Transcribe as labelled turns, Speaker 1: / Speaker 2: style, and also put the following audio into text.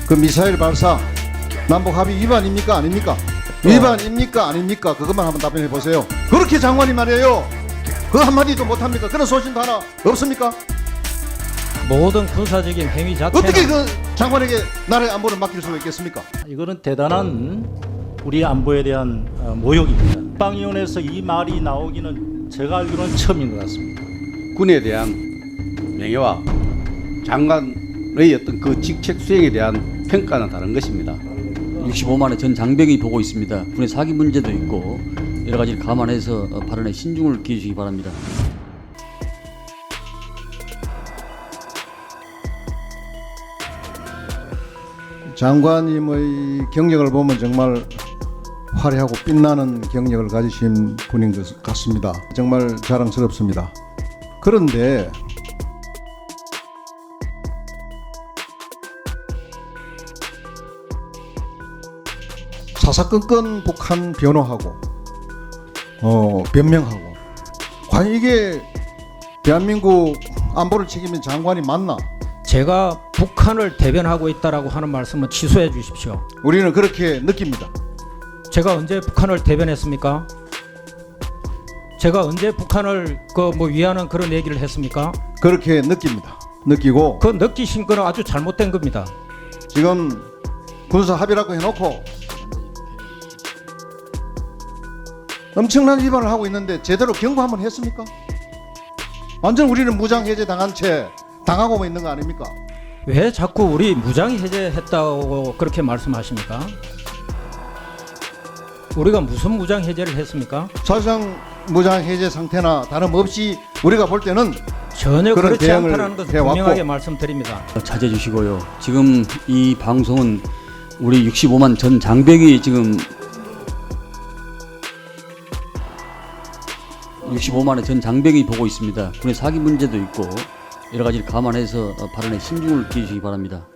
Speaker 1: 그 미사일 발사 남북 합의 위반입니까 아닙니까? 위반입니까 아닙니까? 그것만 한번 답변해 보세요. 그렇게 장관이 말이에요. 그 한마디도 못합니까? 그런 소신도 하나 없습니까?
Speaker 2: 모든 군사적인 행위 자체는
Speaker 1: 어떻게 그 장관에게 나라의 안보를 맡길 수가 있겠습니까?
Speaker 3: 이거는 대단한 우리 안보에 대한 모욕입니다. 국방위원회에서 이 말이 나오기는 제가 알기로는 처음인 것 같습니다.
Speaker 4: 군에 대한 명예와 장관의 어떤 그 직책 수행에 대한 평가는 다른 것입니다.
Speaker 5: 65만의 전 장병이 보고 있습니다. 군의 사기 문제도 있고 여러 가지를 감안해서 발언에 신중을 기해주시기 바랍니다.
Speaker 1: 장관님의 경력을 보면 정말 화려하고 빛나는 경력을 가지신 분인 것 같습니다. 정말 자랑스럽습니다. 그런데 사사건건 북한 변호하고 변명하고 과연 이게 대한민국 안보를 책임진 장관이 맞나?
Speaker 2: 제가 북한을 대변하고 있다라고 하는 말씀은 취소해 주십시오.
Speaker 1: 우리는 그렇게 느낍니다.
Speaker 2: 제가 언제 북한을 대변했습니까? 제가 언제 북한을 위하는 그런 얘기를 했습니까?
Speaker 1: 그렇게 느낍니다. 느끼고
Speaker 2: 그 느끼신 거는 아주 잘못된 겁니다.
Speaker 1: 지금 군사 합의라고 해놓고 엄청난 위반을 하고 있는데 제대로 경고 한번 했습니까? 완전 우리는 무장해제 당한 채 당하고 있는 거 아닙니까?
Speaker 2: 왜 자꾸 우리 무장해제했다고 그렇게 말씀하십니까? 우리가 무슨 무장해제를 했습니까?
Speaker 1: 사실상 무장해제 상태나 다름없이 우리가 볼 때는
Speaker 2: 전혀
Speaker 1: 그런
Speaker 2: 그렇지
Speaker 1: 대응을
Speaker 2: 않다는 것을
Speaker 1: 해왔고.
Speaker 2: 분명하게 말씀드립니다.
Speaker 5: 자제해 주시고요. 지금 이 방송은 우리 65만 전 장병이 지금 65만의 전 장병이 보고 있습니다. 군의 사기 문제도 있고 여러 가지를 감안해서 발언에 신중을 기해주시기 바랍니다.